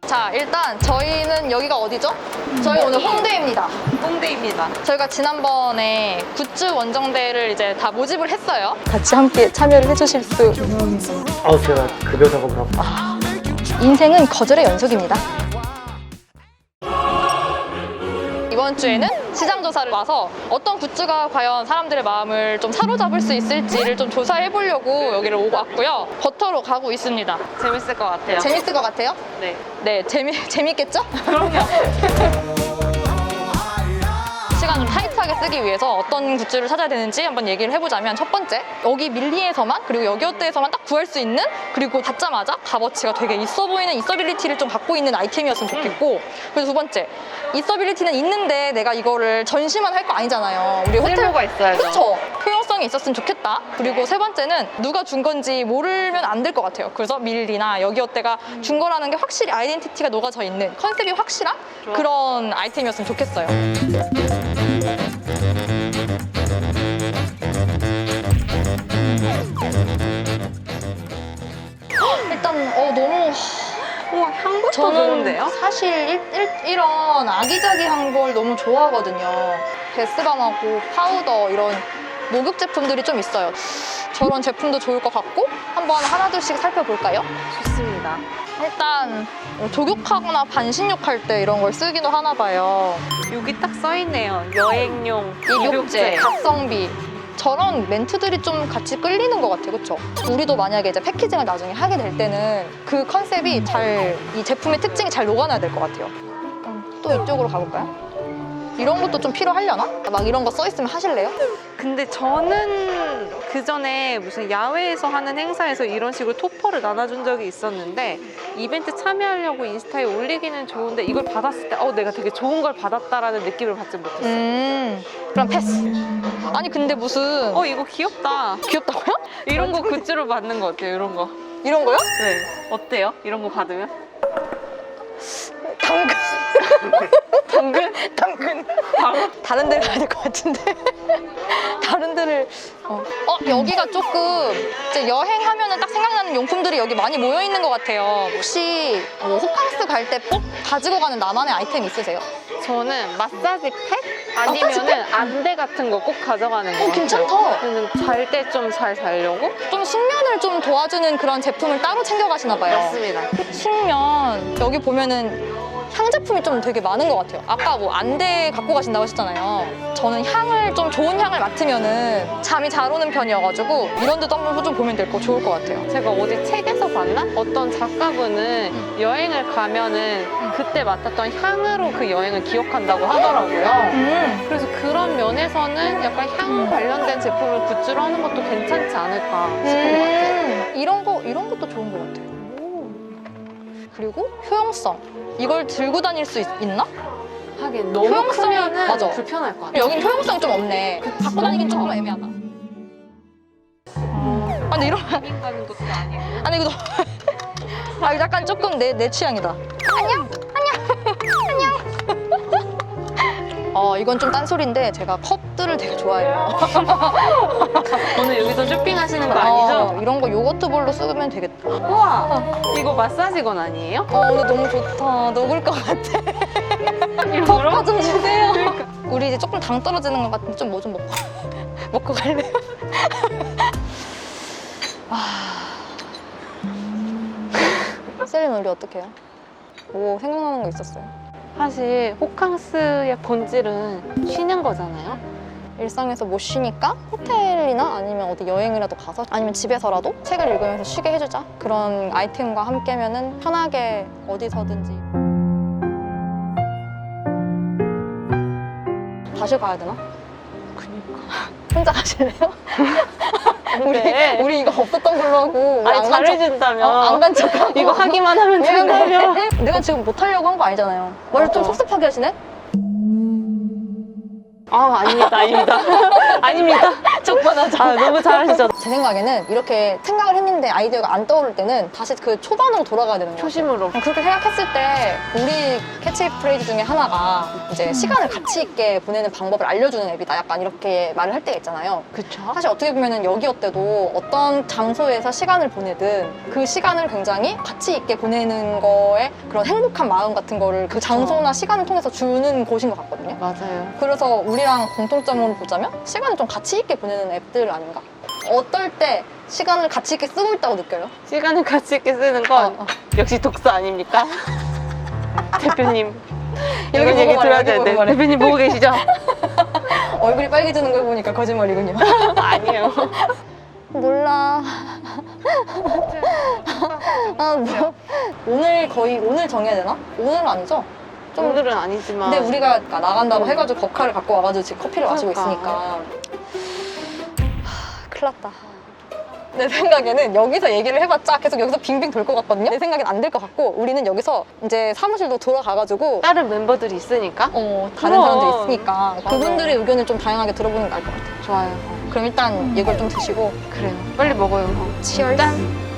자, 일단 저희는 여기가 어디죠? 저희 오늘 홍대입니다. 홍대입니다. 저희가 지난번에 굿즈 원정대를 이제 다 모집을 했어요. 같이 함께 참여를 해주실 수. 제가 급여 작업을 하고. 인생은 거절의 연속입니다. 이번 주에는 시장 조사를 와서 어떤 굿즈가 과연 사람들의 마음을 좀 사로잡을 수 있을지를 좀 조사해 보려고 여기를 오고 왔고요. 버터로 가고 있습니다. 재밌을 것 같아요. 재밌을 것 같아요? 네. 네, 재밌겠죠? 그럼요. 시간을 타이트하게 쓰기 위해서 어떤 굿즈를 찾아야 되는지 한번 얘기를 해보자면, 첫 번째, 여기 밀리에서만 그리고 여기어때에서만 딱 구할 수 있는, 그리고 받자마자 값어치가 되게 있어 보이는 있어빌리티를 좀 갖고 있는 아이템이었으면 좋겠고, 그리고 두 번째, 있어빌리티는 있는데 내가 이거를 전시만 할 거 아니잖아요. 우리 호텔 쓸모가 있어야죠. 그쵸? 효용성이 있었으면 좋겠다. 그리고 세 번째는 누가 준 건지 모르면 안 될 것 같아요. 그래서 밀리나 여기어때가 준 거라는 게 확실히 아이덴티티가 녹아져 있는, 컨셉이 확실한 그런 아이템이었으면 좋겠어요. 일단 너무 우와, 향부터 저는 좋은데요? 사실 이런 아기자기한 걸 너무 좋아하거든요. 베스밤하고 파우더, 이런 목욕 제품들이 좀 있어요. 저런 제품도 좋을 것 같고, 한번 하나둘씩 살펴볼까요? 좋습니다. 일단 족욕하거나 반신욕할 때 이런 걸 쓰기도 하나 봐요. 여기 딱 써있네요. 여행용 입욕제, 각성비. 저런 멘트들이 좀 같이 끌리는 것 같아요. 그렇죠? 우리도 만약에 이제 패키징을 나중에 하게 될 때는 그 컨셉이 이 제품의 특징이 잘 녹아나야 될 것 같아요. 또 이쪽으로 가볼까요? 이런 것도 좀 필요하려나? 막 이런 거 써있으면 하실래요? 근데 저는 그 전에 무슨 야외에서 하는 행사에서 이런 식으로 토퍼를 나눠준 적이 있었는데, 이벤트 참여하려고 인스타에 올리기는 좋은데 이걸 받았을 때 내가 되게 좋은 걸 받았다라는 느낌을 받지 못했어요. 그럼 패스. 아니 근데 무슨 이거 귀엽다. 귀엽다고요? 이런 거 굿즈로 받는 거 어때요? 이런 거. 이런 거요? 네. 어때요? 이런 거 받으면? 당근. 당근? 당근. 바로? 다른 데를 가야 될 것 같은데. 다른 데를. 여기가 조금 이제 여행하면은 딱 생각나는 용품들이 여기 많이 모여 있는 것 같아요. 혹시 호캉스 갈 때 꼭 가지고 가는 나만의 아이템 있으세요? 저는 마사지 팩? 마사지 아니면은 안대 같은 거 꼭 가져가는 거. 괜찮다. 잘 때 좀 잘 자려고? 좀 숙면을 좀 도와주는 그런 제품을 따로 챙겨 가시나 봐요. 맞습니다. 숙면, 여기 보면은 향 제품이 좀 되게 많은 것 같아요. 아까 뭐 안대 갖고 가신다고 하셨잖아요. 저는 향을 좀 좋은 향을 맡으면은 잠이 잘 오는 편이어가지고 이런 데도 한번 좀 보면 좋을 것 같아요. 제가 어디 책에서 봤나? 어떤 작가분은 여행을 가면은 그때 맡았던 향으로 그 여행을 기억한다고 하더라고요. 그래서 그런 면에서는 약간 향 관련된 제품을 굿즈로 하는 것도 괜찮지 않을까 싶은 것 같아요. 이런 것도 좋은 것 같아요. 그리고 효용성. 이걸 들고 다닐 수 있나? 하긴 너무 효용성이- 크면은 맞아. 불편할 것 같아요. 여긴 효용성이 좀 없네. 갖고 다니긴 조금 애매하다. 근데 이런 여행 가는 것도 아니고. 아니 이거 이거 약간 조금 내 취향이다. 안녕. 이건 좀 딴소리인데 제가 컵들을 되게 좋아해요. 오늘 여기서 쇼핑하시는 거 아니죠? 이런 거 요거트 볼로 쓰면 되겠다. 우와! 이거 마사지건 아니에요? 오늘 너무 좋다. 녹을 것 같아. 일부러? 컵 좀 주세요. 우리 이제 조금 당 떨어지는 것 같은데 좀 뭐 좀 먹고 갈래요? 셀린 우리 어떻게 해요? 뭐 생각나는 거 있었어요? 사실 호캉스의 본질은 쉬는 거잖아요. 일상에서 못 쉬니까 호텔이나 아니면 어디 여행이라도 가서, 아니면 집에서라도 책을 읽으면서 쉬게 해주자. 그런 아이템과 함께면은 편하게 어디서든지. 다시 가야 되나? 그니까. 혼자 가실래요? 네. 우리 이거 없었던 걸로 하고. 아니, 잘해준다면. 안 간 척하고. 이거 하기만 하면 된다면. 내가 지금 못하려고 한 거 아니잖아요. 말을 좀 맞아. 섭섭하게 하시네? 아닙니다, 아닙니다. 아닙니다. 적반하장. 아, 너무 잘하시죠. 제 생각에는 이렇게 생각을 했는데 아이디어가 안 떠오를 때는 다시 그 초반으로 돌아가야 되는 거예요. 초심으로. 그렇게 생각했을 때 우리 캐치프레이즈 중에 하나가 이제 시간을 가치 있게 보내는 방법을 알려주는 앱이다. 약간 이렇게 말을 할 때가 있잖아요. 그쵸? 사실 어떻게 보면은 여기어때도 어떤 장소에서 시간을 보내든 그 시간을 굉장히 가치 있게 보내는 거에 그런 행복한 마음 같은 거를 그 장소나 시간을 통해서 주는 곳인 것 같거든요. 맞아요. 그래서 우리랑 공통점으로 보자면 시간을 좀 가치 있게 보내는 앱들 아닌가? 어떨 때 시간을 가치 있게 쓰고 있다고 느껴요? 시간을 가치 있게 쓰는 건 역시 독서 아닙니까? 대표님. 여기 이런 보고 얘기 말해, 들어야 여기 되는데 보고 말해. 대표님 보고 계시죠? 얼굴이 빨개지는 걸 보니까 거짓말이군요. 아니에요. 몰라. 오늘 정해야 되나? 오늘은 아니죠? 좀 오늘은 아니지만 근데 우리가 나간다고 해가지고 법카를 갖고 와가지고 지금 커피를 마시고 그러니까. 있으니까 큰일 났다. 내 생각에는 여기서 얘기를 해봤자 계속 여기서 빙빙 돌 것 같거든요. 내 생각엔 안 될 것 같고 우리는 여기서 이제 사무실도 돌아가가지고 다른 멤버들이 있으니까 다른 그럼. 사람들 있으니까 맞아. 그분들의 의견을 좀 다양하게 들어보는 게 나을 것 같아요. 좋아요. 그럼 일단 이걸 좀 드시고 그래요. 빨리 먹어요. 치얼. 짠.